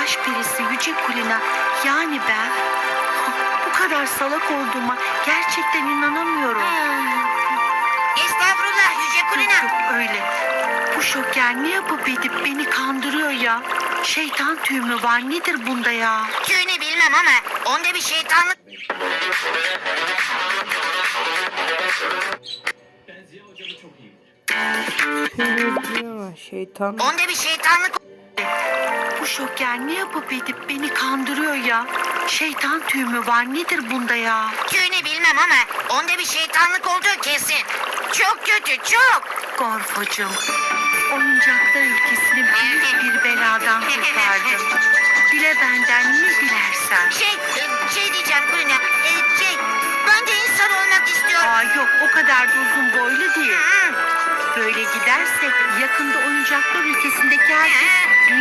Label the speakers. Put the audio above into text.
Speaker 1: baş perisi Yüce Kulina, yani ben bu kadar salak olduğuma gerçekten inanamıyorum.
Speaker 2: Estağfurullah Yüce Kulina.
Speaker 1: Yok öyle. Bu şoker ne yapıp edip beni kandırıyor ya. Şeytan tüyü mü var, nedir bunda ya?
Speaker 2: Tüyünü bilmem ama onda bir şeytanlık...
Speaker 3: Şeytan.
Speaker 2: Onda bir şeytanlık...
Speaker 1: Bu şoker ne yapıp edip beni kandırıyor ya. Şeytan tüyü mü var, nedir bunda ya?
Speaker 2: Tüyünü bilmem ama onda bir şeytanlık olduğu kesin. Çok kötü, çok.
Speaker 1: Gorfocuğum, oyuncaklar ülkesini büyük bir beladan kurtardın. Dile benden ne dilersen.
Speaker 2: Şey diyeceğim Kulina. Ben de insan olmak istiyorum.
Speaker 1: Aa yok, o kadar da uzun boylu değil. Böyle gidersek yakında oyuncaklar ülkesindeki herkes